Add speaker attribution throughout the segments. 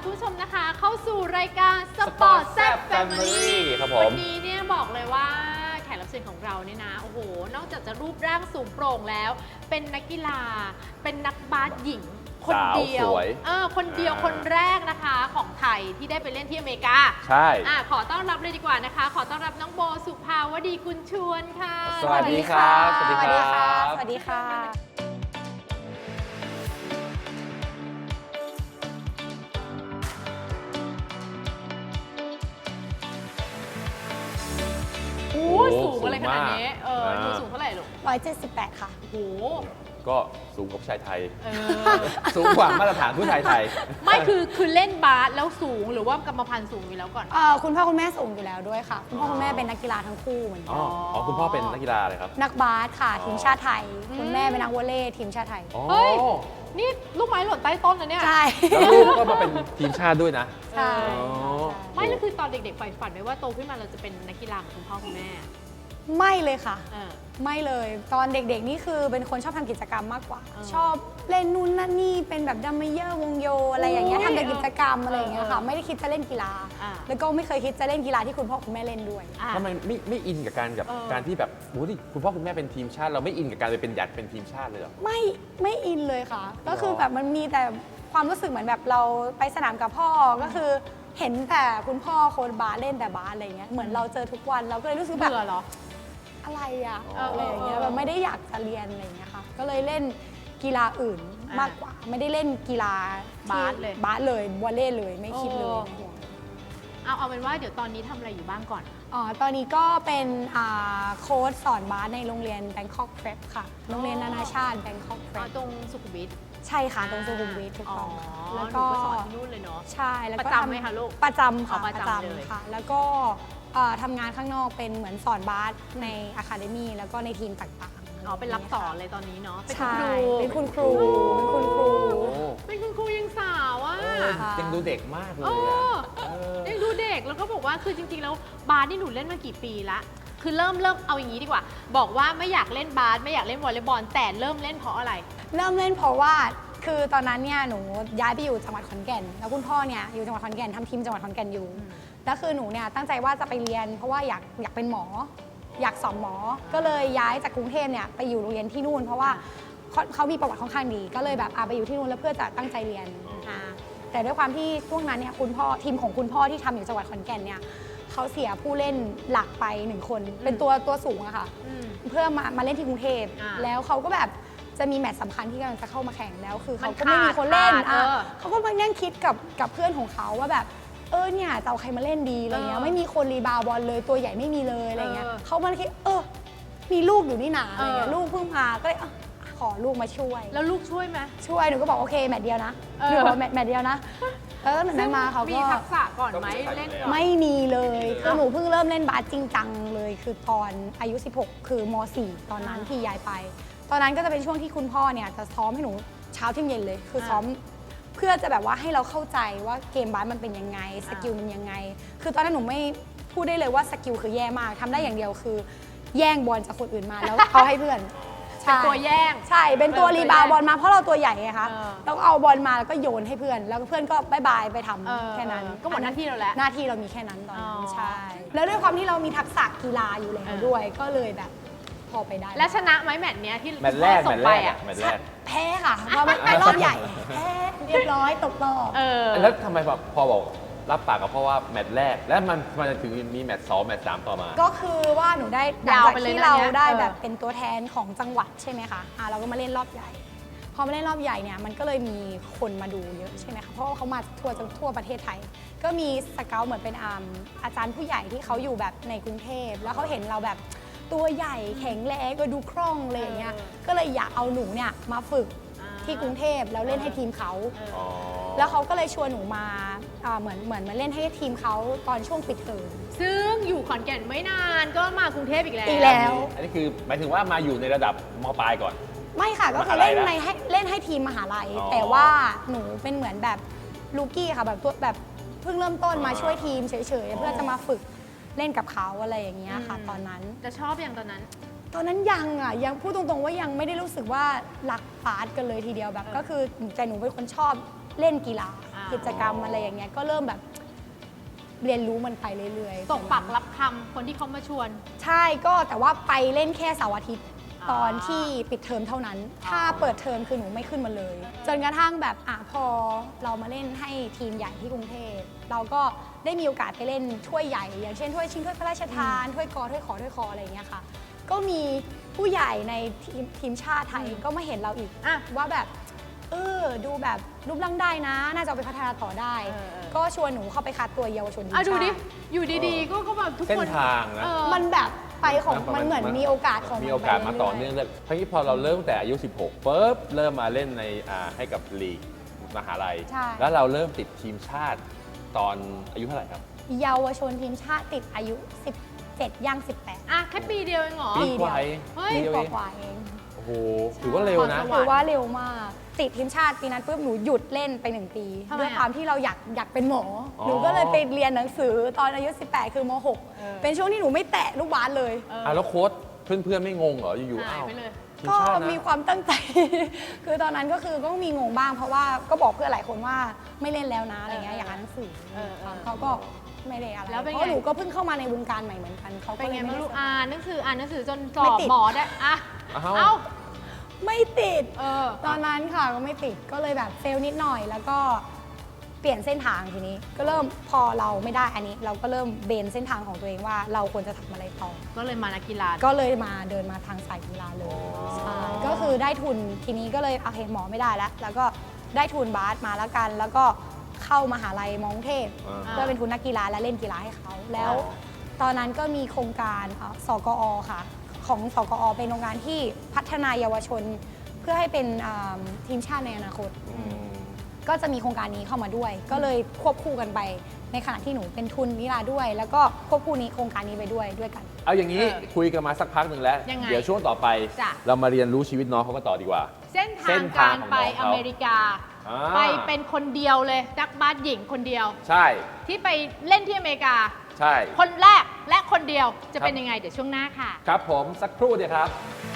Speaker 1: คุณผู้ชมนะคะเข้าสู่รายการสปอร์ตแซ่บแฟมิลี่
Speaker 2: ครับผม
Speaker 1: วันนี้เนี่ยบอกเลยว่าแขกรับเชิญของเราเนี่ยนะโอ้โหนอกจากจะรูปร่างสูงโปร่งแล้วเป็นนักกีฬาเป็นนักบาสหญิงคนเดียวคนเดียวคนแรกนะคะของไทยที่ได้ไปเล่นที่อเมริกา
Speaker 2: ใช่
Speaker 1: ขอต้อนรับเลยดีกว่านะคะขอต้อนรับน้องโบสุภาวดีกุลชวนค่ะ
Speaker 2: สวัสดีครับ
Speaker 3: สวัสดีครับสวัสดีค่ะ
Speaker 1: โอ้สูงอะไรขนาดนี้หนูสูงเท่าไหร่ลูก
Speaker 3: 178ค่ะ
Speaker 1: โอ้โห
Speaker 2: ก็สูงกว่าชายไทยสูงกว่ามาตรฐานผู้ชายไทย
Speaker 1: ไม่คือเล่นบาสแล้วสูงหรือว่ากรรมพันธุ์สูงอยู่แล้วก่อน
Speaker 3: คุณพ่อคุณแม่สูงอยู่แล้วด้วยค่ะคุณพ่อคุณแม่เป็นนักกีฬาทั้งคู่เหมือนกัน
Speaker 2: อ๋อคุณพ่อเป็นนักกีฬาอะไรครับ
Speaker 3: นักบาสค่ะทีมชาติไทยคุณแม่เป็นนักวอลเลย์ทีมชาติไทย
Speaker 1: เฮ้ยนี่ลูกไม้หล่นใต้ต้นนะเนี่ย
Speaker 3: ใช่
Speaker 2: แล้วลูกก็มาเป็นทีมชาติด้วยนะ
Speaker 3: ใช่
Speaker 1: ไม่แล้วคือตอนเด็กๆใฝ่ฝันไว้ว่าโตขึ้นมาเราจะเป็นนักกีฬาของคุณพ่อคุณแม่
Speaker 3: ไม่เลยค่ะไม่เลยตอนเด็กๆนี่คือเป็นคนชอบทำกิจกรรมมากกว่าชอบเล่นนู่นนั่นนี่เป็นแบบดัมเมเยอร์วงโยอะไรอย่างเงี้ยทำแต่กิจกรรมอะไรอย่างเงี้ยค่ะไม่ได้คิดจะเล่นกีฬาแล้วก็ไม่เคยคิดจะเล่นกีฬาที่คุณพ่อคุณแม่เล่นด้วย
Speaker 2: ทำไมไม่อินกับการที่แบบโอ้ดิคุณพ่อคุณแม่เป็นทีมชาติเราไม่อินกับการไปเป็นอยากเป็นทีมชาติเลยหรอ
Speaker 3: ไม่อินเลยค่ะก็คือแบบมันมีแต่ความรู้สึกเหมือนแบบเราไปสนามกับพ่อก็คือเห็นแต่คุณพ่อโค้ชบาสเล่นแต่บาสอะไรเงี้ยเหมือนเราเจอทุกวันเราก็เลยรู้สึกแบบ
Speaker 1: เบื่อเหรอ
Speaker 3: อะไรอะอะไรอย่างเงี้ยแบบไม่ได้อยากจะเรียนอะไรอย่างเงี้ยค่ะก็เลยเล่นกีฬาอื่นมากกว่าไม่ได้เล่นกีฬา
Speaker 1: บาส
Speaker 3: เลยวอลเลย์เลยไม่คิดเลย
Speaker 1: เอาเป็นว่าเดี๋ยวตอนนี้ทำอะไรอยู่บ้างก่อน
Speaker 3: ตอนนี้ก็เป็นโค้ชสอนบาสในโรงเรียน Bangkok Prep ค่ะโรงเรียนนานาชาติ Bangkok Prep
Speaker 1: ตรงสุขุมวิท
Speaker 3: ใช่ค่ะตรงสุขุมวิทถูกต้อง
Speaker 1: แล้วก็สอนที่นู่นเลยเนาะ
Speaker 3: ใช่แล้วก็
Speaker 1: ประจำไหมคะลูก
Speaker 3: ประจำค่ะ
Speaker 1: ประจำเลย
Speaker 3: ค่ะแล้วก็ทำงานข้างนอกเป็นเหมือนสอนบาสในอะคาเดมี่แล้วก็ในทีมต่างๆ
Speaker 1: เป็นรับสอนเลยตอนนี้เนาะ
Speaker 3: เป็นคุณครูเป็นคุณครู
Speaker 1: ยังสาวอ่ะ
Speaker 2: ยังดูเด็กมากเลย
Speaker 1: ยังดูเด็กแล้วก็บอกว่าคือจริงๆแล้วบาสนี่หนูเล่นมากี่ปีละคือเริ่มเอาอย่างนี้ดีกว่าบอกว่าไม่อยากเล่นบาสไม่อยากเล่นวอลเลย์บอลแต่เริ่มเล่นเพราะอะไร
Speaker 3: เริ่มเล่นเพราะว่าคือตอนนั้นเนี่ยหนูย้ายไปอยู่จังหวัดขอนแก่นแล้วคุณพ่อเนี่ยอยู่จังหวัดขอนแก่นทำทีมจังหวัดขอนแก่นอยู่แล้วคือหนูเนี่ยตั้งใจว่าจะไปเรียนเพราะว่าอยากเป็นหมออยากสอบหมอก็เลยย้ายจากกรุงเทพเนี่ยไปอยู่โรงเรียนที่นู่นเพราะว่าเขามีประวัติค่อนข้างดีก็เลยแบบไปอยู่ที่นู่นแล้วเพื่อจะตั้งใจเรียนแต่ด้วยความที่ช่วงนั้นเนี่ยคุณพ่อทีมของคุณพ่อที่ทำอยู่จังหวัดขอนแก่นเนี่ยเขาเสียผู้เล่นหลักไป1คนเป็นตัวสูงอะค่ะเพื่อมาเล่นที่กรุงเทพแล้วเขาก็แบบจะมีแมตช์สำคัญที่กำลังจะเข้ามาแข่งแล้วคือเขาก็ไม่มีคนเล่นเขาก็มานั่งคิดกับเพื่อนของเขาว่าแบบเนี่ยจะเอาใครมาเล่นดีอะไรเงี้ยไม่มีคนรีบาวบอลเลยตัวใหญ่ไม่มีเลยอะไรเงี้ยเขามาคิดมีลูกอยู่นี่หนาอะไรเงี้ยลูกเพิ่งมาก็เลยขอลูกมาช่วย
Speaker 1: แล้วลูกช่วยไหม
Speaker 3: ช่วยหนูก็บอกโอเคแมตช์เดียวนะหนูบอกแมตช์เดียวนะแล้วหนูนั้นมาเขาก็
Speaker 1: มีทักษะก่อนไหมเล่นก่อน
Speaker 3: ไม่มีเลยคือหนูเพิ่งเริ่มเล่นบาสจริงจังเลยคือตอนอายุ16คือม.4 ตอนนั้นที่ย้ายไปตอนนั้นก็จะเป็นช่วงที่คุณพ่อเนี่ยจะซ้อมให้หนูเช้าเที่ยงเย็นเลยคือซ้อมเพื่อจะแบบว่าให้เราเข้าใจว่าเกมบาสมันเป็นยังไงสกิลมันยังไงคือตอนนั้นหนูไม่พูดได้เลยว่าสกิลคือแย่มากทำได้อย่างเดียวคือแย่งบอลจากคนอื่นมาแล้วเอาให้เพื่อน
Speaker 1: เป็นตัวแย่ง
Speaker 3: ใช่เป็นตัวรีบาวบอลมาเพราะเราตัวใหญ่ไงคะแล้วเอาบอลมาแล้วก็โยนให้เพื่อนแล้วเพื่อนก็บายบายไปทำแค่นั้น
Speaker 1: ก็หมดหน้าที่เราแล้ว
Speaker 3: หน้าที่เรามีแค่นั้นตอนนั้นใช่แล้วด้วยความที่เรามีทักษะกีฬาอยู่แล้วด้วยก็เลยแบบพอไปได้
Speaker 1: และชนะไหมแมตช์เนี้ยที่
Speaker 2: แมตช์แรก
Speaker 3: แพ้ค่ะเพราะมันเป็นรอบใหญ่แพ้เรียบร้อยตกรอบ
Speaker 2: แล้วทำไมแบบพอบอกรับปากกับพ่อว่าแมตช์แรกแล้วมันถึงมีแมตช์2แมตช์3ต่อมา
Speaker 3: ก็คือว่าหนูได้หลังจากที่เราได้แบบเป็นตัวแทนของจังหวัดใช่ไหมคะเราก็มาเล่นรอบใหญ่พอมาเล่นรอบใหญ่เนี่ยมันก็เลยมีคนมาดูเยอะใช่ไหมคะเพราะว่าเขามาทั่วประเทศไทยก็มีสเกลเหมือนเป็นอาจารย์ผู้ใหญ่ที่เขาอยู่แบบในกรุงเทพแล้วเขาเห็นเราแบบตัวใหญ่แข็งแรงดูคล่องเลยอย่างเงี้ยก็เลยอยากเอาหนูเนี่ยมาฝึกที่กรุงเทพแล้วเล่นให้ทีมเขาแล้วเขาก็เลยชวนหนูมาเหมือนมาเล่นให้ทีมเขาตอนช่วงปิดเทอม
Speaker 1: ซึ่งอยู่ขอนแก่นไม่นานก็มากรุงเทพอีกแล้ว
Speaker 2: อันนี้คือหมายถึงว่ามาอยู่ในระดับม.ปลายก่อน
Speaker 3: ไม่ค่ะก็คือเล่นให้ทีมมหาลัยแต่ว่าหนูเป็นเหมือนแบบลูกี้ค่ะแบบตัวแบบเพิ่งเริ่มต้นมาช่วยทีมเฉยๆเพื่อจะมาฝึกเล่นกับเขาอะไรอย่างเงี้ยค่ะตอนนั้น
Speaker 1: จะชอบอย่างตอนนั้น
Speaker 3: ยังพูดตรงๆว่ายังไม่ได้รู้สึกว่ารักบาสกันเลยทีเดียวแบบก็คือแต่หนูเป็นคนชอบเล่นกีฬากิจกรรมอะไรอย่างเงี้ยก็เริ่มแบบเรียนรู้มันไปเรื่อยๆ
Speaker 1: ตกปักรับคำคนที่เขามาชวน
Speaker 3: ใช่ก็แต่ว่าไปเล่นแค่เสาร์อาทิตย์
Speaker 1: อ๋อ
Speaker 3: ตอนที่ปิดเทอมเท่านั้น ถ้าเปิดเทอมคือหนูไม่ขึ้นมาเลย จนกระทั่งแบบพอเรามาเล่นให้ทีมใหญ่ที่กรุงเทพเราก็ได้มีโอกาสไปเล่นถ้วยใหญ่ อย่างเช่นถ้วยชิงถ้วยพระราชทานถ้วยกอถ้วยขอถ้วยคออะไรอย่างเงี้ยค่ะ ก็มีผู้ใหญ่ในทีมชาติไทยก็มาเห็นเราอีกว่าแบบดูแบบรูปร่างได้นะ น่าจะเอาไปพัฒนาต่อได้ ก็ชวนหนูเข้าไปคัดตัวเยาวชนทีมชาติ
Speaker 1: ดูดิอยู่ดีๆก็แบบทุก
Speaker 2: เส้
Speaker 1: คน น
Speaker 2: ทางนะ
Speaker 3: มันแบบไปของมันเหมือนมีโอกาสของ
Speaker 2: มีโอกาสมาต่อเนื่องเลยเพราะงี้พอเราเริ่มแต่อายุ 16ปุ๊บเริ่มมาเล่นในให้กับลีกมหาลัย
Speaker 3: ใช่
Speaker 2: แล้วเราเริ่มติดทีมชาติตอนอายุเท่าไหร่ครับ
Speaker 3: เยาวชนทีมชาติติดอายุ 17 ย่าง 18
Speaker 1: อ่ะแค่ปีเดียวเองเหรอ
Speaker 2: ปีกว่าเอง
Speaker 1: เฮ้ย
Speaker 2: ปีเดียว
Speaker 3: ก
Speaker 2: เอง
Speaker 3: ว่าๆเอง
Speaker 2: โอ้โหถือว่าเร็วนะ
Speaker 3: ถือว่าเร็วมาก ติดทีมชาติปีนั้นปุ๊บหนูหยุดเล่นไป 1 ปี
Speaker 1: ทำไมอะ
Speaker 3: ด้วยความที่เราอยากเป็นหมออ
Speaker 2: อ
Speaker 3: หนูก็เลยไปเรียนหนังสือตอนอายุ 18 คือม .6 เป็นช่วงที่หนูไม่แตะลูกบาสเลย
Speaker 2: แล้วโค้ชเพื่อนๆไม่งงเหรออยู่ๆ
Speaker 1: หาย
Speaker 2: อ้าว
Speaker 1: ไปเลย
Speaker 2: ทีม
Speaker 3: ก็
Speaker 2: ชาตินะ
Speaker 3: มีความตั้งใจ คือตอนนั้นก็คือก็มีงงบ้าง เพราะว่าก็บอกเพื่อนหลายคนว่าไม่เล่นแล้วนะอะไรเงี้ยอยากอ่านหนังสือเขาก็ไม่ได้อะไร
Speaker 1: แล้วเป็นไง
Speaker 3: เพราะหนูก็เพิ่งเข้ามาในวงการใหม่เหมือนกันเขา
Speaker 1: เป็
Speaker 3: ก็
Speaker 1: น
Speaker 3: เล
Speaker 1: ไง
Speaker 3: ย
Speaker 1: ไม่
Speaker 3: ไม่
Speaker 1: รู้
Speaker 3: ได้
Speaker 1: อ่านหนังสือจนส
Speaker 3: ไม่
Speaker 1: อบ
Speaker 3: ติด
Speaker 1: หมอได้อ่ะ
Speaker 2: อ้าว
Speaker 1: เอ้า
Speaker 3: ไม่ติด
Speaker 1: เออ
Speaker 3: ตอนนั้นค่ะก็ไม่ติดก็เลยแบบเฟลนิดหน่อย แล้วก็เปลี่ยนเส้นทางทีนี้ ก็เริ่มพอเราไม่ได้อันนี้ เราก็เริ่มเบนเส้นทางของตัวเองว่าเราควรจะทำอะไรต่อ
Speaker 1: ก็เลยมานักกีฬา
Speaker 3: ก็เลยมาเดินมาทางสายกีฬาเลยใช่ก็คือได้ทุนทีนี้ก็เลยโอเคหมอไม่ได้แล้ว แล้วก็ได้ทุนบาสมาแล้วกัน แล้วก็เข้ามหาลัยมอกรุงเทพ เพื่อเป็นทุนนักกีฬาและเล่นกีฬาให้เขา แล้วตอนนั้นก็มีโครงการสกอค่ะ ของสกอเป็นโครงการที่พัฒนาเยาวชน เพื่อให้เป็นทีมชาติในอนาคต ก็จะมีโครงการนี้เข้ามาด้วย ก็เลยควบคู่กันไปในขณะที่หนูเป็นทุนกีฬาด้วย แล้วก็ควบคู่นี้โครงการนี้ไปด้วยกัน
Speaker 2: เอาอย่างนี้คุยกันมาสักพักหนึ่งแล้ว
Speaker 1: ยังไง
Speaker 2: เดี๋ยวช่วงต่อไป
Speaker 1: จ้ะ
Speaker 2: เรามาเรียนรู้ชีวิตน้องเขาก็ต่อดีกว่า
Speaker 1: เส้น
Speaker 2: เส้
Speaker 1: ทาง
Speaker 2: นทาง
Speaker 1: การ
Speaker 2: ของ
Speaker 1: ไป
Speaker 2: น้องเขา
Speaker 1: อเมริกา ไปเป็นคนเดียวเลยนักบาสหญิงคนเดียว
Speaker 2: ใช่
Speaker 1: ที่ไปเล่นที่อเมริกา
Speaker 2: ใช่
Speaker 1: คนแรกและคนเดียวจะ
Speaker 2: ครับ
Speaker 1: เป็นยังไงเดี๋ยวช่วงหน้าค่ะ
Speaker 2: ครับผมสักครู่เดียวครับ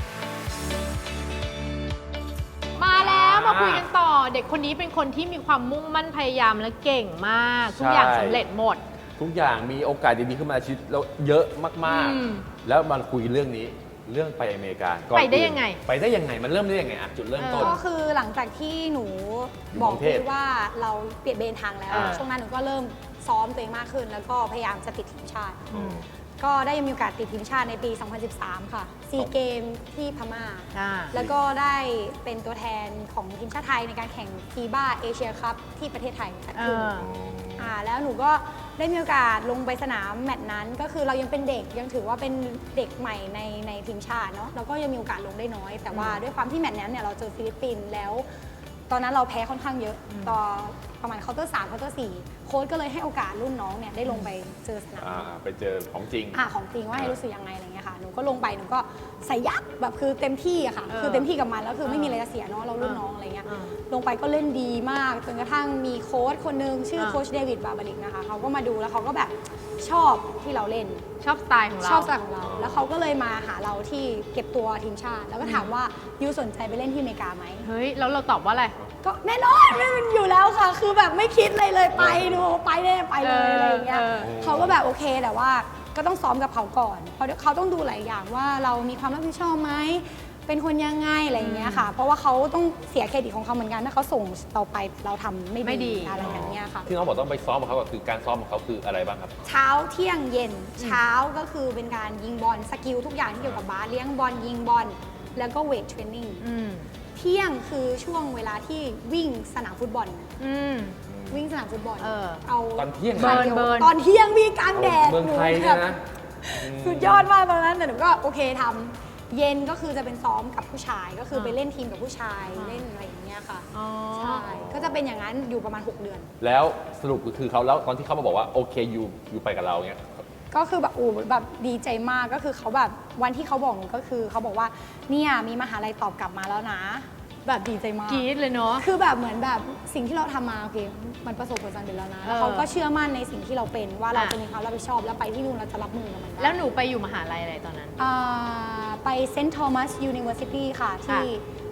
Speaker 1: มาแล้วมาคุยกันต่อ เด็กคนนี้เป็นคนที่มีความมุ่งมั่นพยายามและเก่งมาก ทุกอย่าง
Speaker 2: ใช่
Speaker 1: สำเร็จหมด
Speaker 2: ทุกอย่างมีโอกาสดีๆขึ้นมาในชีวิตเราเยอะมาก
Speaker 1: อืม
Speaker 2: ๆ แล้วมาคุยเรื่องนี้เรื่องไปอเมริกาก่อน
Speaker 1: ไปได้
Speaker 2: อื่น
Speaker 1: ยังไง
Speaker 2: ไปได้ยังไงมันเริ่มได้ยังไงอะจุดเริ่มต้น
Speaker 3: ก็คือหลังจากที่หนู
Speaker 2: อยู่
Speaker 3: บอก
Speaker 2: กรุงเทพ
Speaker 3: พี่ว่าเราเปลี่ยนเบนทางแล้ว
Speaker 2: อ่า
Speaker 3: ช่วงนั้นหนูก็เริ่มซ้อมตัวเองมากขึ้น แล้วก็พยายามจะติดทีมชาติ
Speaker 2: อืม
Speaker 3: ก็ได้มีโอกาสติดทีมชาติในปี 2013 ค่ะซีเกมที่พม่า แล้วก็ได้เป็นตัวแทนของทีมชาติไทยในการแข่งฟีบ้าเอเชียคัพที่ประเทศไทยจัดขึ้น แล้วหนูก็ได้มีโอกาสลงไปสนามแมตช์นั้น ก็คือเรายังเป็นเด็กยังถือว่าเป็นเด็กใหม่ในทีมชาติเนาะแล้วก็ยังมีโอกาสลงได้น้อย แต่ว่าด้วยความที่แมตช์นั้นเนี่ยเราเจอฟิลิปปินส์แล้ว ตอนนั้นเราแพ้ค่อนข้างเยอะต่อประมาณเคาน์เตอร์3เคาน์เตอร์4โค้ชก็เลยให้โอกาสรุ่นน้องเนี่ยได้ลงไปเจอสนาม
Speaker 2: ไปเจอของจริง
Speaker 3: ของจริงว่าให้รู้สึกยังไงอะไรเงี้ยค่ะหนูก็ลงไปหนูก็ใส่ยับแบบคือเต็มที่อะค่ะ คือเต็มที่กับมันแล้วคือไม่มีอะไรจะเสียเนาะเรารุ่นน้องอะไรเงี้ยลงไปก็เล่นดีมากจนกระทั่งมีโค้ชคนนึงชื่อโค้ชเดวิดบาบาริกนะคะเขาก็มาดูแล้วเขาก็แบบชอบที่เราเล่น
Speaker 1: ชอบสไตล์ของเรา
Speaker 3: ชอบสไตล์ของเรา แล้วเขาก็เลยมาหาเราที่เก็บตัวทีมชาติ แล้วก็ถามว่ายูสนใจไปเล่นที่อเมริกาไหม
Speaker 1: เฮ้ยแล้วเราตอบว่าอะไร
Speaker 3: ก็แน่นอนไม่เป็นอยู่แล้วค่ะ คือแบบไม่คิดเลยไปหนูไปแน่ไปเลยอะไรอย่างเงี้ย เขาก็แบบโอเคแต่ว่าก็ต้องซ้อมกับเขาก่อน เพราะเขาต้องดูหลายอย่างว่าเรามีความรับผิดชอบไหม เป็นคนยังไงอะไรอย่างเงี้ยค่ะ เพราะว่าเขาต้องเสียเครดิตของเขาเหมือนกันถ้าเขาส่งเราไปเราทำไม่
Speaker 1: ไม่ดี
Speaker 3: ดีอะไรอย่างเงี้ยค่ะ
Speaker 2: ที่น้องบอกต้องไปซ้อมกับเขาก็คือการซ้อมของเขาคืออะไรบ้างครับ
Speaker 3: เช้าเที่ยงเย็นเช้าก็คือเป็นการยิงบอลสกิลทุกอย่างที่เกี่ยวกับบาสเลี้ยงบอลยิงบอลแล้วก็เวทเทรนนิ่ง
Speaker 1: อืม
Speaker 3: เที่ยงคือช่วงเวลาที่วิ่งสนามฟุตบอล
Speaker 1: อืม
Speaker 3: วิ่งสนามฟุตบอล
Speaker 1: เอา
Speaker 2: ตอนเที่ยง
Speaker 1: เบิร์นเบิร์น
Speaker 3: ตอนเที่ยงวิ่งกลางแดด
Speaker 2: เมืองไทย
Speaker 3: ห
Speaker 2: เนี่ย
Speaker 3: แบบ
Speaker 2: นะ
Speaker 3: สุดยอดมากตอนนั้นแต่หนูก็โอเคทำเย็นก็คือจะเป็นซ้อมกับผู้ชายก็คือไปเล่นทีมกับผู้ชายเล่นอะไรอย่างเงี้ยค่ะ
Speaker 1: อ๋อ
Speaker 3: ใช่ก็จะเป็นอย่างนั้นอยู่ประมาณ 6 เดือน
Speaker 2: แล้วสรุปก็คือเขาแล้วตอนที่เขามาบอกว่าโอเคอยู่ไปกับเราเนี่ย
Speaker 3: ก็คือแบบแบบดีใจมากก็คือเขาแบบวันที่เขาบอกหนูก็คือเขาบอกว่าเนี่ยมีมหาลัยตอบกลับมาแล้วนะ แบบดีใจมาก
Speaker 1: กรี๊ดเลยเนาะ
Speaker 3: คือแบบเหมือนแบบสิ่งที่เราทำมาโอเคมันประสบผลสำเร็จแล้วนะแล้วเขาก็เชื่อมั่นในสิ่งที่เราเป็นว่าเราจะมีความรับผิดชอบแล้วไปที่นู่นเราจะรับมือกับมันได้
Speaker 1: แล้วหนูไปอยู่มหาลัยอะไรตอนนั้น
Speaker 3: ไปเซนต์ทอมัสยูนิเวอร์ซิตี้ค่ะที่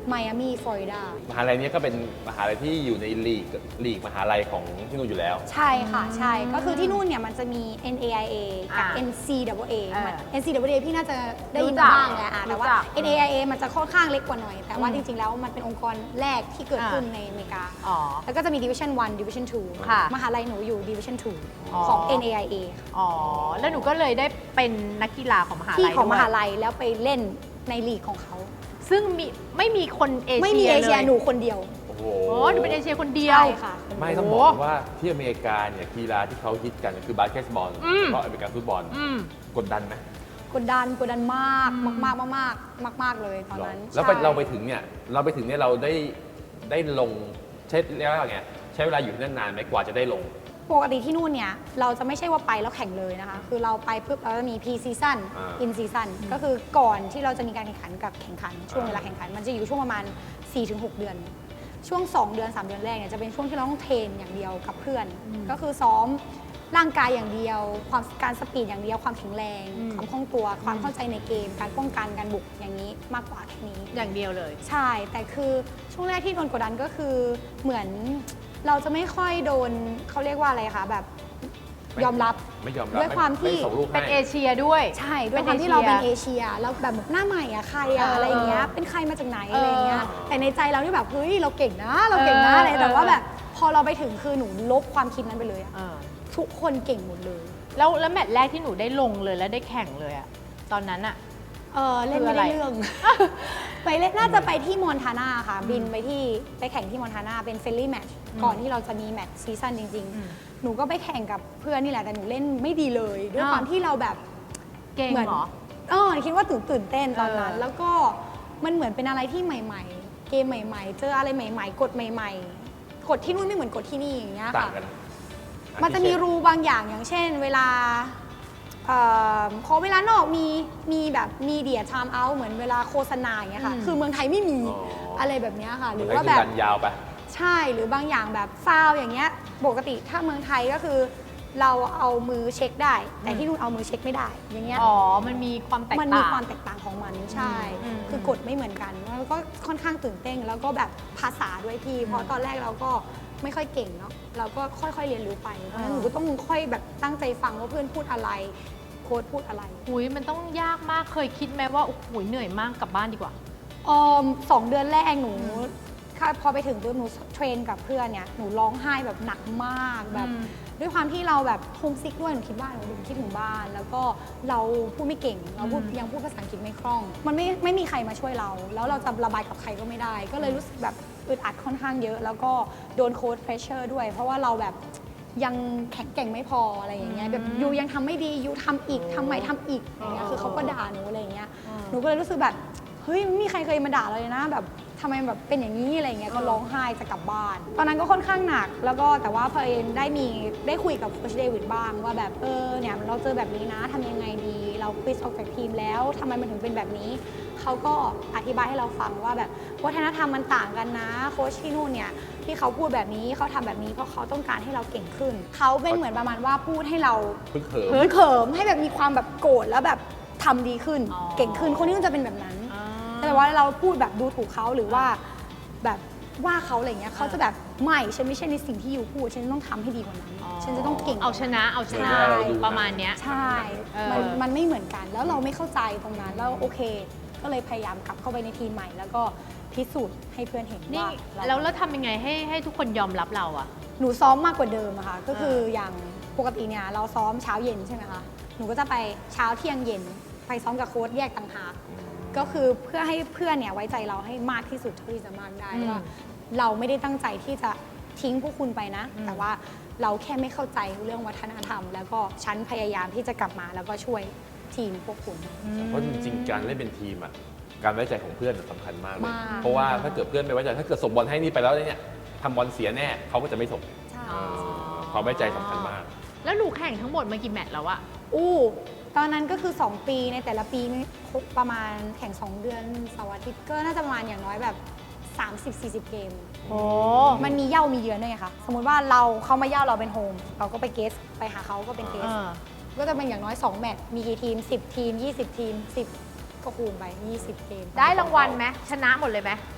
Speaker 3: ไมอามี่ฟลอริดาม
Speaker 2: หาลัยนี้ก็เป็นมหาลัยที่อยู่ในลีกมหาลัยของที่นู่นอยู่แล้ว
Speaker 3: ใช่ค่ะใช่ก็คือที่นู่นเนี่ยมันจะมี NAIA กับ
Speaker 1: อ่า
Speaker 3: NCAA
Speaker 1: เออ
Speaker 3: NCAA พี่น่าจะได้ยิน
Speaker 1: รู้จัก
Speaker 3: มาบ้างแหละแต่ว่า
Speaker 1: รู้จัก
Speaker 3: NAIA มันจะค่อนข้างเล็กกว่าหน่อย แต่ว่า
Speaker 1: อืม
Speaker 3: จริงๆแล้วมันเป็นองค์กรแรกที่เกิดขึ้นในอเมริกา
Speaker 1: อ๋อ
Speaker 3: แล้วก็จะมี Division 1 Division 2
Speaker 1: ค่ะ
Speaker 3: มหาลัยหนูอยู่ Division
Speaker 1: อ๋อ
Speaker 3: 2 ของ NAIA ค่ะ
Speaker 1: อ๋อ แล้วหนูก็เลยได้เป็นนักกีฬาของมหาลัย
Speaker 3: ที่ของมหา
Speaker 1: ด้วย
Speaker 3: ลัยแล้วไปเล่นในลีกของเขา
Speaker 1: ซึ่งไม่มีคนเอเชีย
Speaker 3: ไม่มีเอเชีย
Speaker 1: ล
Speaker 3: หนูคนเดียว
Speaker 2: โอ้โห
Speaker 1: โอ้หนูเป็นเอเชียคนเดียว
Speaker 3: ใช่ค่ะ
Speaker 2: ไม่ต้องบอกว่าที่อเมริกาเนี่ยกีฬาที่เขาฮิตกันคือบาสเกตบอล
Speaker 1: อืม
Speaker 2: แล้วก็อเมริกันฟุตบอล
Speaker 1: อืม
Speaker 2: กดดันไหม
Speaker 3: กดดันมากมากมากมากๆเลยตอนนั้น
Speaker 2: แล้ว
Speaker 3: ใช่
Speaker 2: เราไปถึงเนี่ยเราได้ลงใช้เรียกว่าไงใช้เวลาอยู่ที่นั่นนานไหมกว่าจะได้ลง
Speaker 3: ปกติที่นู่นเนี่ยเราจะไม่ใช่ว่าไปแล้วแข่งเลยนะคะ คือเราไปปุ๊บเราจะมี pre season
Speaker 2: อ่า
Speaker 3: in season ก็คือก่อนที่เราจะมีการแข่งขันกับแข่งขัน ช่วงเวลาแข่งขัน มันจะอยู่ช่วงประมาณ 4-6 เดือน ช่วง 2 เดือน 3 เดือนแรกเนี่ยจะเป็นช่วงที่เราต้องเทรนอย่างเดียวกับเพื่อน ก็คือซ้อมร่างกายอย่างเดียว การสปีดอย่างเดียว ความแข็งแรง
Speaker 1: อืม
Speaker 3: ความคล่องตัว ความเข้าใจในเกม การป้องกัน การบุกอย่างนี้มากกว่าแค่นี้
Speaker 1: อย่างเดียวเลย
Speaker 3: ใช่ แต่คือช่วงแรกที่โดนกดดันก็คือเหมือนเราจะไม่ค่อยโดนเขาเรียกว่าอะไรคะแบบยอมรับ
Speaker 2: ไม่ยอมรับ
Speaker 3: ด้วยความที่
Speaker 2: ไม่ส่งลูกให้
Speaker 1: เป็นเอเชียด้วย
Speaker 3: ใช่ด้วยความที่เราเป็นเอเชียแล้วแบบหน้าใหม่อะใครอะอะไรอย่างเงี้ยเป็นใครมาจากไหนอะไรอย่างเงี้ยแต่ในใจเราที่แบบเฮ้ยเราเก่งนะเราเก่งนะอะไรแต่ว่าแบบพอเราไปถึงคือหนูลบความคิดนั้นไปเลยอะ
Speaker 1: เออ
Speaker 3: ทุกคนเก่งหมดเลย
Speaker 1: แล้วแมตช์แรกที่หนูได้ลงเลยแล้วได้แข่งเลยอะตอนนั้นอะ
Speaker 3: เล่นไม่ได้เรื่อง ไปเล่นน่าจะไปที่มอนทานาค่ะ บินไปแข่งที่มอนทานาเป็นเฟรนลี่แมตช์ก่อนที่เราจะมีแมตช์ซีซั่นจริง
Speaker 1: อืม
Speaker 3: ๆ หนูก็ไปแข่งกับเพื่อนนี่แหละแต่หนูเล่นไม่ดีเลย ด้วย
Speaker 1: อ้าว
Speaker 3: ความที่เราแบบ
Speaker 1: เก่ง
Speaker 3: เหมือน
Speaker 1: เหรอ
Speaker 3: คิดว่าตื่นเต้นตอนนั้น
Speaker 1: เออ
Speaker 3: แล้วก็มันเหมือนเป็นอะไรที่ใหม่ๆ เกมใหม่ๆ เจออะไรใหม่ๆ กฎใหม่ๆ กฎที่นู่นไม่เหมือนกฎที่นี่อย่างเงี้ย
Speaker 2: ต่าง
Speaker 3: ค่ะ
Speaker 2: กัน
Speaker 3: มันจะมีรูบางอย่างอย่างเช่น เวลาขอเวลานอกมีแบบมีเดียไทม์เอาท์เหมือนเวลาโฆษณาอย่างเงี้ยค่ะ
Speaker 1: อืม
Speaker 3: คือเมืองไทยไม่มี
Speaker 2: อ๋ออ
Speaker 3: อะไรแบบเนี้ยค่ะ ห
Speaker 2: หรื
Speaker 3: รือ อ
Speaker 2: ว่า
Speaker 3: ว่า
Speaker 2: แบ
Speaker 3: แบบ บ
Speaker 2: ยาวไป
Speaker 3: ใช่หรือบางอย่างแบบฟาวล์อย่างเงี้ยปกติถ้าเมืองไทยก็คือ เราเอามือเช็คได้ แต่ที่นู่นเอามือเช็คไม่ได้ อย่างเงี้ย
Speaker 1: อ๋อ มันมีความแตก
Speaker 3: มัน
Speaker 1: ต่าง
Speaker 3: มีความแตกต่างของมันใช่
Speaker 1: อืม
Speaker 3: คือกฎไม่เหมือนกันแล้วก็ค่อนข้างตื่นเต้นแล้วก็แบบภาษาด้วยพี่ เพราะตอนแรกเราก็ไม่ค่อยเก่งเนาะเราก็ค่อยๆเรียนรู้ไปเพราะฉะนั้นหนูก็ต้องค่อยแบบตั้งใจฟังว่าเพื่อนพูดอะไรโค้ชพูดอะไร
Speaker 1: หุยมันต้องยากมาก เคยคิดไหมว่า โอ้โหเหนื่อยมากกลับบ้านดีกว่า
Speaker 3: 2 เดือนแรกหนูพอไปถึงปุ๊บหนูเทรนกับเพื่อนเนี่ยหนูร้องไห้แบบหนักมากแบบ
Speaker 1: อืม
Speaker 3: ด้วยความที่เราแบบโฮมซิกด้วยหนูคิดว่าหนูคิดถึงบ้าน แล้วก็เราพูดไม่เก่งเราพูดยังพูดภาษาอังกฤษไม่คล่อง มันไม่มีใครมาช่วยเรา แล้วเราจะระบายกับใครก็ไม่ได้ ก็เลยรู้สึกแบบอึดอัดค่อนข้างเยอะ แล้วก็โดนโค้ชเพรสเชอร์ด้วย เพราะว่าเราแบบยังแข็งเก่งไม่พออะไรอย่างเงี้ยแบบยูยังทำไม่ดียูทำอีกทำใหม่ทำอีกอย่างเงี้ยคือเขาก็ด่าหนูอะไรอย่างเงี้ย หนูก็เลยรู้สึกแบบเฮ้ยไม่มีใครเคยมาด่าเราเลยนะแบบทำไมแบบเป็นอย่างนี้อะไรเงี้ยก็ร้องไห้จะกลับบ้าน ตอนนั้นก็ค่อนข้างหนักแล้วก็แต่ว่าพอเอ็นได้คุยกับโค้ชเดวิดบ้างว่าแบบเนี่ยเราเจอแบบนี้นะทำยังไงดี เราควิสออกจากทีมแล้วทำไมมันถึงเป็นแบบนี้เขาก็อธิบายให้เราฟังว่าแบบวัฒนธรรมมันต่างกันนะโค้ชที่นู่นเนี่ยที่เขาพูดแบบนี้เขาทำแบบนี้เพราะเขาต้องการให้เราเก่งขึ้นเขาเป็นเหมือนประมาณว่าพูดให้เรา
Speaker 2: พึ่งเขิม
Speaker 3: เขิมให้แบบมีความแบบโกรธแล้วแบบทำดีขึ้น
Speaker 1: อ๋อ
Speaker 3: เก่งขึ้นคนนี้มันจะเป็นแบบนั้น
Speaker 1: อ่า
Speaker 3: แต่ว่าเราพูดแบบดูถูกเขาหรือว่าแบบว่าเขาอะไรเงี้ยเขาจะแบบไม่ฉันไม่ใช่ในสิ่งที่อยู่พูดฉันต้องทำให้ดีกว่านั้น ฉันจะต้องเก่ง
Speaker 1: เอาชนะเอาชนะ
Speaker 2: ใช่
Speaker 1: ประมาณเนี้ย
Speaker 3: ใช่
Speaker 1: เออ
Speaker 3: มันไม่เหมือนกัน แล้วเราไม่เข้าใจตรงนั้นแล้วโอเค ก็เลยพยายามกลับเข้าไปในทีมใหม่ แล้วก็พิสูจน์ให้เพื่อนเห็น
Speaker 1: นี่
Speaker 3: ว่า
Speaker 1: แล้วทำยังไงให้ทุกคนยอมรับเราอะ
Speaker 3: หนูซ้อมมากกว่าเดิมอะค่ะก็คืออย่างปกติเนี่ยเราซ้อมเช้าเย็นใช่ไหมคะหนูก็จะไปเช้าเที่ยงเย็นไปซ้อมกับโค้ชแยกต่างหาก ก็คือเพื่อให้เพื่อนเนี่ยไว้ใจเราให้มากที่สุดเท่าที่จะมากได้
Speaker 1: อืม
Speaker 3: ว่าเราไม่ได้ตั้งใจที่จะทิ้งพวกคุณไปนะ
Speaker 1: อืม
Speaker 3: แต่ว่าเราแค่ไม่เข้าใจเรื่องวัฒนธรรม แล้วก็ฉันพยายามที่จะกลับมาแล้วก็ช่วยทีมพวกคุณ
Speaker 2: เพราะจริงๆ การเล่นเป็นทีมอ่ะ การไว้ใจของเพื่อนสำคัญมากเลย
Speaker 3: มาก
Speaker 2: เพราะว่าถ้าเกิดเพื่อนไม่ไว้ใจ ถ้าเกิดส่งบอลให้นี่ไปแล้วเนี่ยทำบอลเสียแน่เขาก็จะไม่ส่ง
Speaker 3: ใช่
Speaker 2: ความไว้ใจสำคัญมาก
Speaker 1: แล้วหนูแข่งทั้งหมดมากี่แมตช์แล้วอะ
Speaker 3: อู้ตอนนั้นก็คือ 2 ปีในแต่ละปีมีประมาณแข่ง 2 เดือนเสาร์อาทิตย์ก็น่าจะประมาณอย่างน้อยแบบ 30-40 เกม
Speaker 1: โอ้
Speaker 3: มันมีเย่ามีเยือนด้วยไงคะสมมติว่าเขามาเย่าเราเป็นโฮมเราก็ไปเกสไปหาเขาก็เป็นเกส ก็จะเป็นอย่างน้อย 2 แมตช์ มีกี่ทีม 10 ทีม 20 ทีม 10 ก็คูณไป 20 เกม
Speaker 1: ได้รางวัลไหมชนะหมดเลยไหม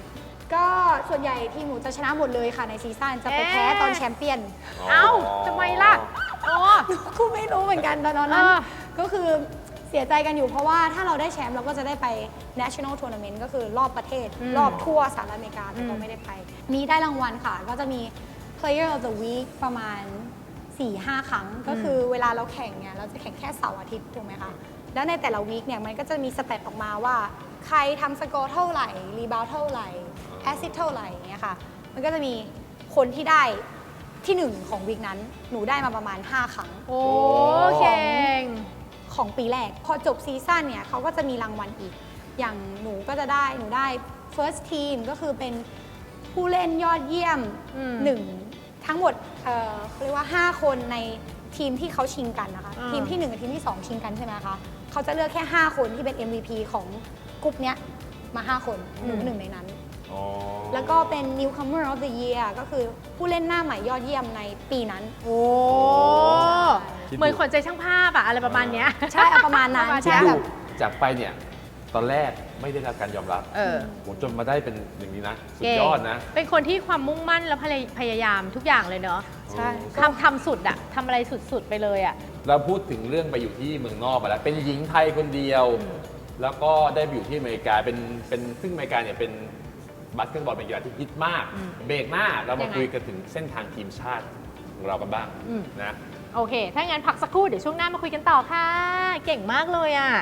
Speaker 3: ก็ส่วนใหญ่ทีมหนูจะชนะหมดเลยค่ะในซีซั่นจะไปแพ้ตอนแชมเปี้ยน
Speaker 1: เอ้าทำไมล่ะโอ้
Speaker 3: กูไม่รู้เหมือนกันตอนนั้น ก็คือเสียใจกันอยู่เพราะว่าถ้าเราได้แชมป์เราก็จะได้ไป national tournament ก็คือรอบประเทศ รอบทั่วสหรัฐอเมริกาแต่ก็ไม่ได้ไป มีได้รางวัลค่ะ ก็จะมี player of the week ประมาณ 4-5 ครั้ง ก็คือเวลาเราแข่งเนี่ยเราจะแข่งแค่เสาร์อาทิตย์ถูกไหมคะ แล้วในแต่ละวีคเนี่ยมันก็จะมีสเตตออกมาว่า ใครทำสกอร์เท่าไหร่ รีบาวเท่าไหร่ แอสซิสเท่าไหร่อย่างเงี้ยค่ะ มันก็จะมีคนที่ได้ที่ 1 ของวีคนั้น หนูได้มาประมาณ 5 ครั้ง
Speaker 1: โอ้เก่ง
Speaker 3: ของปีแรก พอจบซีซั่นเนี่ยเขาก็จะมีรางวัลอีก อย่างหนูก็จะได้หนูได้ first team ก็คือเป็นผู้เล่นยอดเยี่ยม
Speaker 1: อืม
Speaker 3: ทั้งหมดเขาเรียกว่า 5 คนในทีมที่เขาชิงกันนะคะ ทีมที่ 1 กับทีมที่ 2 ชิงกันใช่ไหมคะเขาจะเลือกแค่ 5 คนที่เป็น MVP ของกลุ่มเนี้ยมา 5 คนหนูหนึ่งในนั้น
Speaker 2: อ๋อ
Speaker 3: แล้วก็เป็น newcomer of the year ก็คือผู้เล่นหน้าใหม่ยอดเยี่ยมในปีนั้น
Speaker 1: โอ้เหมือนขวัญใจช่างภาพอะอะไรประมาณเนี้ย
Speaker 3: ใช่เอาประมาณนั้น
Speaker 1: ประมาณ
Speaker 2: คิด
Speaker 3: ใช่
Speaker 2: ดู
Speaker 3: แบบ
Speaker 2: จากไปเนี่ย ตอนแรกไม่ได้รับการยอมรับ
Speaker 1: เออ
Speaker 2: โหจนมาได้เป็นอย่างนี้นะ สุด
Speaker 1: เก่ง
Speaker 2: ยอดนะ
Speaker 1: เป็นคนที่ความมุ่งมั่นและพยายามทุกอย่างเลยเนาะ
Speaker 3: ใช่
Speaker 1: ทำสุดอะทำอะไรสุดๆไปเลยอะ
Speaker 2: เราพูดถึงเรื่องไปอยู่ที่เมืองนอกมาแล้ว เป็นหญิงไทยคนเดียว แล้วก็ได้ไปอยู่ที่อเมริกา เป็นซึ่งอเมริกาเนี่ยเป็นบาสเกตบอลเป็นกีฬาที่ฮิตมาก เบรกหน้าเรามาคุยกันถึงเส้นทางทีมชาติของเรากันบ้างนะ
Speaker 1: โอเค ถ้างั้นพักสักครู่เดี๋ยวช่วงหน้ามาคุยกันต่อค่ะ เก่งมากเลยอะ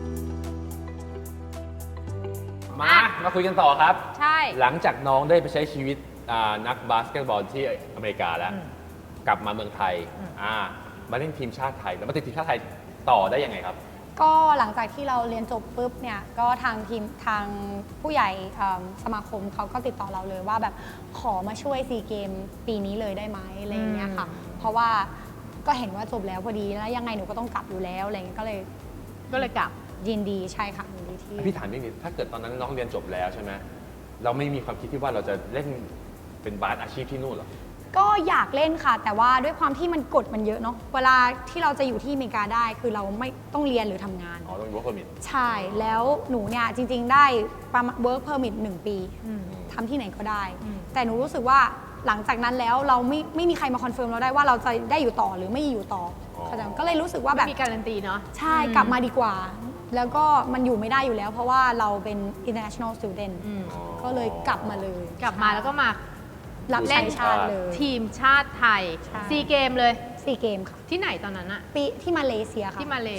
Speaker 2: มาคุยกันต่อครับ
Speaker 1: ใช่
Speaker 2: หลังจากน้องได้ไปใช้ชีวิตนักบาสเกตบอลที่อเมริกาแล้ว กลับมาเมืองไทยมาเล่นทีมชาติไทย แล้วมาติดทีมชาติไทยต่อได้ยังไงครับ
Speaker 3: ก็หลังจากที่เราเรียนจบปุ๊บเนี่ยก็ทางทีมทางผู้ใหญ่สมาคมเขาก็ติดต่อเราเลยว่าแบบขอมาช่วยซีเกมปีนี้เลยได้ไหมอะไรอย่างเงี้ยค่ะ เพราะว่าก็เห็นว่าจบแล้วพอดีแล้วยังไงหนูก็ต้องกลับอยู่แล้วอะไรเงี้ยก็เลย
Speaker 1: กลับ
Speaker 3: ยินดีใช่ค่ะยินดีที่
Speaker 2: พี่ถามนิดนึงถ้าเกิดตอนนั้นน้องเรียนจบแล้วใช่ไหมเราไม่มีความคิดที่ว่าเราจะเล่นเป็นบาสอาชีพที่นู่นเหรอ
Speaker 3: ก็อยากเล่นค่ะ แต่ว่าด้วยความที่มันกฎมันเยอะเนาะเวลาที่เราจะอยู่ที่อเมริกาได้คือเราไม่ต้องเรียนหรือทำงาน
Speaker 2: อ๋อ ต้องมี work permit
Speaker 3: ใช่แล้วหนูเนี่ยจริง ๆ ได้ประมาณ work permit 1 ปี
Speaker 1: อืม
Speaker 3: ทำที่ไหนก็ได้
Speaker 1: อืม
Speaker 3: แต่หนูรู้สึกว่าหลังจากนั้นแล้วเราไม่มีใครมาคอนเฟิร์มเราได้ว่าเราจะได้อยู่ต่อหรือไม่อยู่ต่อเข้าใจไหมก็เลยรู้สึกว่าแบบ
Speaker 1: มีการันตีเนาะ
Speaker 3: ใช่กลับมาดีกว่า แล้วก็มันอยู่ไม่ได้อยู่แล้ว เพราะว่าเราเป็น international student
Speaker 1: อืม
Speaker 3: ก็เลยกลับมาเลย
Speaker 1: กลับมาแล้วก็มา
Speaker 3: รับใช้ชาติเลย
Speaker 1: ทีมชาติไทย
Speaker 3: ใช่
Speaker 1: ซีเกมเลย
Speaker 3: 4 เกมค่ะ
Speaker 1: ที่ไหนตอนนั้นอะ
Speaker 3: ปีที่มาเลเซียค่ะ
Speaker 1: ที่มาเล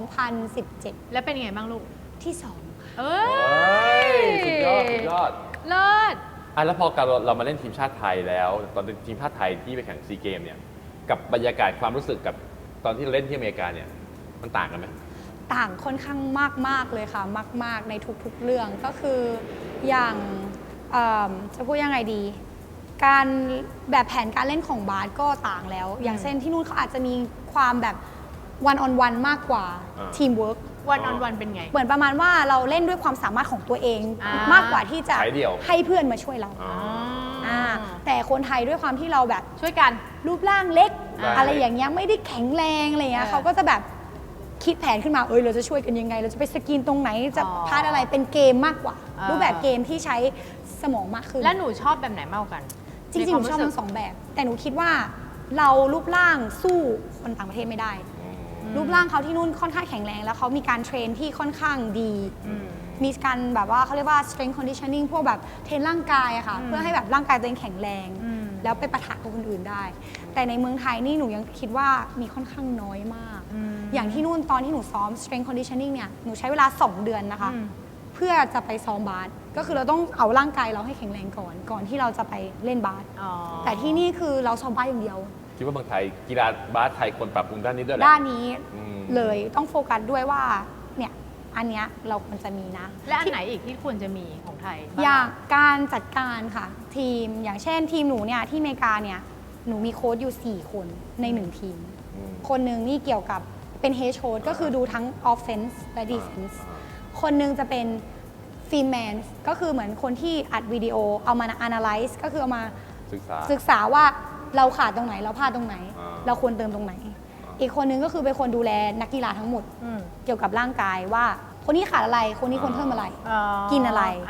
Speaker 3: 2017
Speaker 1: แล้วเป็นไงบ้างลูก
Speaker 3: ที่ 2 ค่ะ
Speaker 1: เอ้
Speaker 2: เฮ้
Speaker 1: ย
Speaker 2: ย สุดยอด สุดยอด
Speaker 1: เลิศ
Speaker 2: แล้วพอเรามาเล่นทีมชาติไทยแล้ว ตอนเป็นทีมชาติไทยที่ไปแข่งซีเกมเนี่ย กับบรรยากาศความรู้สึกกับตอนที่เราเล่นที่อเมริกาเนี่ย มันต่างกันไหม
Speaker 3: ต่างค่อนข้างมาก ๆ เลยค่ะ มาก ๆ ในทุก ๆ เรื่องก็คืออย่างจะพูดยังไงดี การแบบแผนการเล่นของบาสก็ต่างแล้ว อย่างเช่นที่นู่นเขาอาจจะมีความแบบ one on one มากกว่า ทีมเวิร์ก
Speaker 1: วันออนวันเป็นไง
Speaker 3: เหมือนประมาณว่าเราเล่นด้วยความสามารถของตัวเอง
Speaker 1: อ่าม
Speaker 3: มากกว่าที่จะ
Speaker 2: สายเดี่ยว
Speaker 3: ให้เพื่อนมาช่วยเรา
Speaker 2: อ๋อ
Speaker 3: แต่คนไทยด้วยความที่เราแบบ
Speaker 1: ช่วยกัน
Speaker 3: รูปร่างเล็ก
Speaker 2: อ่า
Speaker 3: อะไรอย่างเงี้ยไม่ได้แข็งแรงอะไรเงี้ย
Speaker 1: เออ
Speaker 3: เขาก็จะแบบคิดแผนขึ้นมาเราจะช่วยกันยังไง เราจะไปสกรีนตรงไหนจะ
Speaker 1: อ๋อ
Speaker 3: พาดอะไรเป็นเกมมากกว่า รูปแบบเกมที่ใช้สมองมากขึ้น
Speaker 1: แล้วหนูชอบแบบไหนมากกว่ากัน
Speaker 3: จริงๆหนูชอบทั้งสองแบบ แต่หนูคิดว่าเรารูปร่างสู้คนต่างประเทศไม่ได้ รูปร่างเขาที่นู่นค่อนข้างแข็งแรง แล้วเขามีการเทรนที่ค่อนข้างดี มีการแบบว่าเขาเรียกว่า strength conditioning พวกแบบเทรนร่างกายอะค่ะ เพื่อให้แบบร่างกายตัวเองแข็งแรง แล้วไปปะทะกับคนอื่นได้ แต่ในเมืองไทยนี่หนูยังคิดว่ามีค่อนข้างน้อยมาก อย่างที่นู่นตอนที่หนูซ้อม strength conditioning เนี่ย หนูใช้เวลา 2 เดือนนะคะ เพื่อจะไปซ้อมบาส ก็คือเราต้องเอาร่างกายเราให้แข็งแรงก่อนที่เราจะไปเล่นบาส
Speaker 1: อ๋อ
Speaker 3: แต่ที่นี่คือเราซ้อมบาสอย่างเดียว
Speaker 2: คิดว่าเมืองไทยกีฬาบาสไทยควรปรับปรุงด้านนี้ด้วยแหละ
Speaker 3: ด้านนี้
Speaker 2: อืม
Speaker 3: เลยต้องโฟกัสด้วยว่าเนี่ยอันเนี้ยเราควรจะมีนะ
Speaker 1: และอันไหนอีกที่ควรจะมีของไทยบ้
Speaker 3: อย่างการจัดการค่ะ ทีมอย่างเช่นทีมหนูเนี่ยที่อเมริกาเนี่ยหนูมีโค้ชอยู่ 4 คนใน 1 ทีม คนหนึ่งนี่เกี่ยวกับเป็นเฮดโค้ชก็คือดูทั้ง offense และ defense คนหนึ่งจะเป็นฟิล์มแมนก็คือเหมือนคนที่อัดวิดีโอเอามา analyze ก็คือเอามา ศึกษาว่าเราขาดตรงไหนเราพลาดตรงไหน เราควรเติมตรงไหน อีกคนนึงก็คือเป็นคนดูแลนักกีฬาทั้งหมด
Speaker 1: อืม
Speaker 3: เกี่ยวกับร่างกายว่าคนนี้ขาดอะไรคนนี้ควรเพิ่มอะไร
Speaker 1: อ๋อ
Speaker 3: กินอะไร
Speaker 1: อ่ะ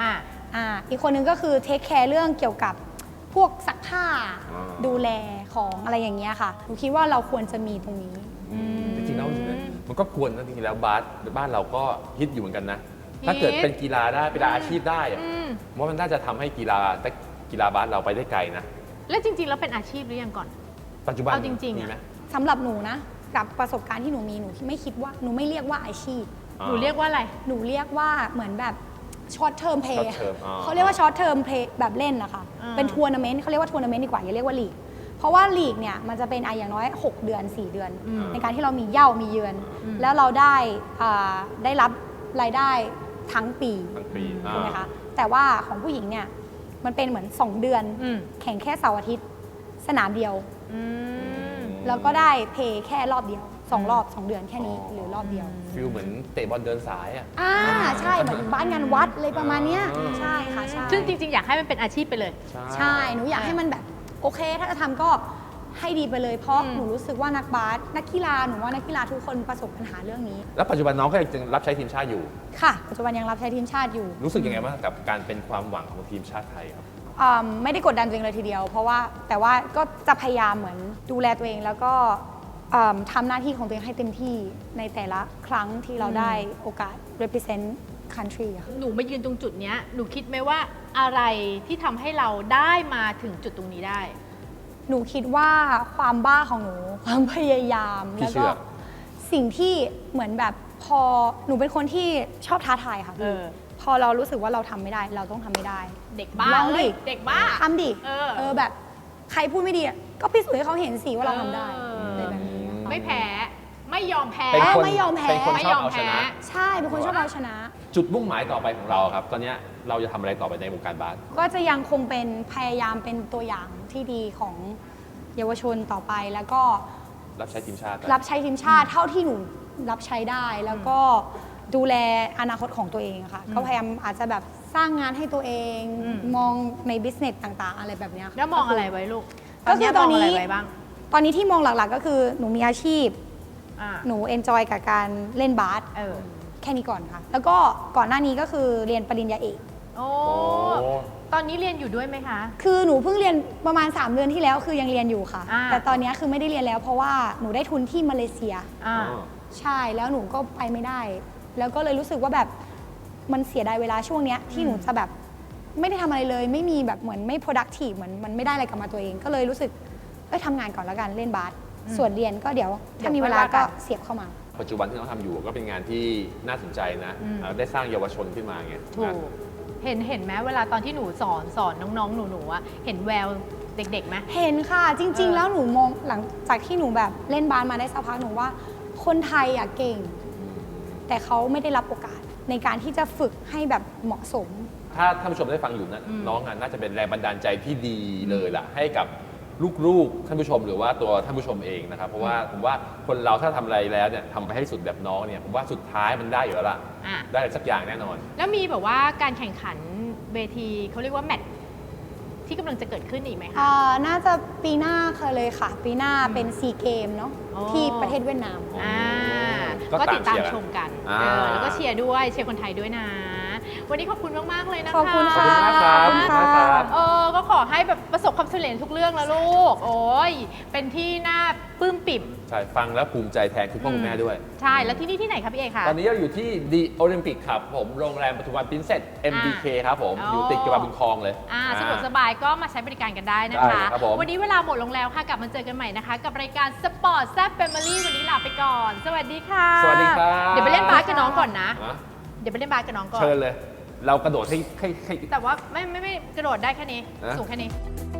Speaker 3: อีกคนนึงก็คือเทคแคร์เรื่องเกี่ยวกับพวกซักผ้า ดูแลของอะไรอย่างเงี้ยค่ะหนูคิดว่าเราควรจะมีตรงนี้
Speaker 2: จริงๆแล้วมันก็ควรนะจริงๆแล้วบ้านเราก็ฮิตอยู่เหมือนกันนะ
Speaker 1: ฮิต
Speaker 2: ถ้าเกิดเป็นกีฬาได้เป็นอาชีพได้อะว่ามันน่าจะทำให้กีฬาบาสเราไปได้ไกลนะ
Speaker 1: แล้วจริงๆแล้วเป็นอาชีพหรือยังก่อน
Speaker 2: ปัจจุบัน
Speaker 1: เอาจริงๆ
Speaker 2: มีไหม
Speaker 3: สำหรับหนูนะกับประสบการณ์ที่หนูมีหนูไม่คิดว่าหนูไม่เรียกว่าอาชีพ
Speaker 1: หนูเรียกว่าอะไร
Speaker 3: หนูเรียกว่าเหมือนแบบช็อตเทอมเพย์
Speaker 2: short term
Speaker 3: เขาเรียกว่าช็อตเทอมเพย์แบบเล่นนะคะ
Speaker 1: อ่า
Speaker 3: เป็นทัวร์นาเมนต์เขาเรียกว่าทัวร์นาเมนต์ดีกว่าอย่าเรียกว่าลีกเพราะว่าลีกเนี่ยมันจะเป็นอย่างน้อย 6 เดือน 4 เดือน ในการที่เรามีเหย้ามีเยือน แล้วเราได้รับรายได้ทั้งปี
Speaker 2: ทั้งปี
Speaker 3: ใช่ไหมคะแต่ว่าของผู้หญิงเนี่ยมันเป็นเหมือน 2 เดือน แข่งแค่เสาร์อาทิตย์สนามเดียว แล้วก็ได้เพย์แค่รอบเดียว 2 รอบ 2 เดือนแค่นี้หรือรอบเดียว
Speaker 2: ฟิลเหมือนเตะบอลเดินสายอ่ะ
Speaker 3: ใช่เหมือนบ้านงานวัดเลยประมาณเนี้ย
Speaker 2: อ่า
Speaker 3: ใช่ค่ะใช่
Speaker 1: ซึ่งจริงๆ อยากให้มันเป็นอาชีพไปเลย
Speaker 3: ใช่หนูอยากให้มันแบบโอเค ถ้าจะทำก็ให้ดีไปเลยเพราะหนูรู้สึกว่านักบาสนักกีฬาหนูว่านักกีฬาทุกคนประสบปัญหาเรื่องนี้
Speaker 2: แล้วปัจจุบันน้องก็ยังรับใช้ทีมชาติอยู่
Speaker 3: ค่ะปัจจุบันยังรับใช้ทีมชาติอยู่
Speaker 2: รู้สึกยังไงบ้างกับการเป็นความหวังของทีมชาติไทยครับ
Speaker 3: ไม่ได้กดดันตัวเองเลยทีเดียว เพราะว่าแต่ว่าก็จะพยายามเหมือนดูแลตัวเองแล้วก็ทำหน้าที่ของตัวเองให้เต็มที่ในแต่ละครั้งที่เราได้โอกาส represent country อะค่ะ
Speaker 1: หนูมายืนตรงจุดเนี้ยหนูคิดไหมว่าอะไรที่ทำให้เราได้มาถึงจุดตรงนี้ได้
Speaker 3: หนูคิดว่าความบ้าของหนู ความพยายาม
Speaker 2: พี่
Speaker 3: แล้ว
Speaker 2: เชื่
Speaker 3: ก็
Speaker 2: อ
Speaker 3: สิ่งที่เหมือนแบบพอหนูเป็นคนที่ชอบท้าทายค่ะ
Speaker 1: เอ
Speaker 3: พี่
Speaker 1: อ
Speaker 3: พอเรารู้สึกว่าเราทำไม่ได้ เราต้องทำไม่ได้
Speaker 1: เด็กบ้า
Speaker 3: ลองดิ
Speaker 1: เอ้ยเด็กบ้า
Speaker 3: ทำดิ แบบใครพูดไม่ดีอะก็พิสูจน์ให้เขาเห็นสิว่าเราทำได้
Speaker 1: เอออ
Speaker 3: อะไรแบบนี้อะค่ะ
Speaker 1: ไม่แพ้ไม่ยอมแพ้
Speaker 2: เป็นคน
Speaker 3: ไม่ยอมแพ้
Speaker 2: เป็นคน
Speaker 1: ไม่
Speaker 2: ช
Speaker 1: ย
Speaker 2: อบ
Speaker 1: อม
Speaker 2: เอาช
Speaker 1: แพ้
Speaker 2: นะ
Speaker 3: ใช่เป็นคนชอบเอาชนะ
Speaker 2: จุดมุ่งหมายต่อไปของเราครับ ตอนเนี้ยเราจะทำอะไรต่อไปในวงการบาส
Speaker 3: ก็จะยังคงเป็นพยายามเป็นตัวอย่างที่ดีของเยาวชนต่อไปแล้วก็
Speaker 2: รับใช้ทีมชาติ
Speaker 3: รับใช้ทีมชาติเท่าที่หนูรับใช้ได้แล้วก็ดูแลอนาคตของตัวเองอะค่ะก็พยายามอาจจะแบบสร้างงานให้ตัวเอง มองในบิสเนสต่างๆ อะไรแบบเนี้ยค่ะ
Speaker 1: แล้วมองอะไรไว้ลูก
Speaker 3: ก็คือตอนนี้
Speaker 1: มงะไรไว้บ้าง
Speaker 3: ตอนนี้ที่มองหลักๆก็คือหนูมีอาชีพ
Speaker 1: อ่า
Speaker 3: หนูเอนจอยกับการเล่นบาส
Speaker 1: เออ
Speaker 3: แค่นี้ก่อนค่ะ แล้วก็ก่อนหน้านี้ก็คือเรียนปริญญาเอก
Speaker 1: โอ้
Speaker 2: โอ้
Speaker 1: ตอนนี้เรียนอยู่ด้วยไหมคะ
Speaker 3: คือหนูเพิ่งเรียนประมาณ 3 เดือนที่แล้วคือยังเรียนอยู่ค่ะ
Speaker 1: อ่า
Speaker 3: แต่ตอนนี้คือไม่ได้เรียนแล้วเพราะว่าหนูได้ทุนที่มาเลเซีย
Speaker 1: อ่า
Speaker 3: ใช่แล้วหนูก็ไปไม่ได้ แล้วก็เลยรู้สึกว่าแบบมันเสียดายเวลาช่วงเนี้ยที่หนูจะแบบไม่ได้ทำอะไรเลย ไม่มีแบบเหมือนไม่ productive เหมือนมันไม่ได้อะไรกลับมาตัวเอง ก็เลยรู้สึกทำงานก่อนแล้วกันเล่นบาสส่วนเรียนก็เดี๋ยวถ้ามีเวลาก็เสียบเข้ามา
Speaker 2: ปัจจุบันที่เราทำอยู่ก็เป็นงานที่น่าสนใจนะได้สร้างเยาวชนขึ้นมาไง
Speaker 1: ถูก เห็นไหมเวลาตอนที่หนูสอนน้องๆหนูๆอะเห็นแววเด็กๆไหม
Speaker 3: เห็นค่ะจริง
Speaker 1: เอ
Speaker 3: ๆ
Speaker 1: อ
Speaker 3: แล้วหนูมองหลังจากที่หนูแบบเล่นบาสมาได้สักพักหนูว่า คนไทยอะเก่ง แต่เขาไม่ได้รับโอกาสในการที่จะฝึกให้แบบเหมาะสม
Speaker 2: ถ้าท่านผู้ชมได้ฟังอยู่นะน้องอะน่าจะเป็นแรงบันดาลใจที่ดีเลยล่ะให้กับลูกๆท่านผู้ชมหรือว่าตัวท่านผู้ชมเองนะครับเพราะว่าผมว่าคนเราถ้าทำอะไรแล้วเนี่ยทำไปให้สุดแบบน้องเนี่ยผมว่าสุดท้ายมันได้อยู่แล้วล่ะ
Speaker 1: อ่ะ
Speaker 2: ได้อะไรสักอย่างแน่นอน
Speaker 1: แล้วมีแบบว่าการแข่งขันเวทีเขาเรียกว่าแมตช์ที่กำลังจะเกิดขึ้นอีกไหมคะ
Speaker 3: น่าจะปีหน้าค่ะเลยค่ะ ปีหน้าเป็นซีเกมเนาะ
Speaker 1: อ๋อ
Speaker 3: ที่ประเทศเวียดนาม
Speaker 1: อ่า
Speaker 2: ก็
Speaker 1: ก็ติดตาม
Speaker 2: ตามเชียร์
Speaker 1: ชมกัน
Speaker 2: อ่า
Speaker 1: แล้วก็เชียร์ด้วยเชียร์คนไทยด้วยนะ วันนี้ขอบคุณมากๆเลยนะคะ
Speaker 3: ขอบคุณค่ะ
Speaker 2: ขอบคุณมากครับ
Speaker 3: ขอบคุณค่ะ
Speaker 2: ขอบคุณมากครับ
Speaker 1: ก็ขอให้แบบประสบความสำเร็จทุกเรื่องแล้วลูก โอ้ยเป็นที่น่าปลื้มปิ่ม
Speaker 2: ใช่ฟังแล้วภูมิใจแทนคุณพ่อคุณแม่ด้วย
Speaker 1: ใช่ แล้วที่นี่ที่ไหนครับพี่เอกคะ
Speaker 2: ตอนนี้เราอยู่ที่ The Olympic ครับผมโรงแรมปทุมวันปรินเซส MBK ครับผม
Speaker 1: อ๋อ
Speaker 2: อ
Speaker 1: อ
Speaker 2: ยู่ติดกับบุญคลองเลย
Speaker 1: สะดวกสบายก็มาใช้บริการกันได้นะ
Speaker 2: ได้
Speaker 1: คะ
Speaker 2: ครับผม
Speaker 1: วันนี้เวลาหมดลงแล้วค่ะ กลับมาเจอกันใหม่นะคะ กับรายการสปอร์ตแซ่บแฟมิลี่วันนี้ลาไปก่อน สวัสดีค่ะ
Speaker 2: สวัสดีครับ
Speaker 1: เดี๋ยวไปเล่นบาสกับน้องก่อนนะ
Speaker 2: นะ
Speaker 1: เดี๋ยวไปเล่นบาสกับน้องก่อน
Speaker 2: เชิญเลย เรากระโดดให้
Speaker 1: แต่ว่าไม่กระโดดได้แค่นี้
Speaker 2: นะ
Speaker 1: สูงแค่นี้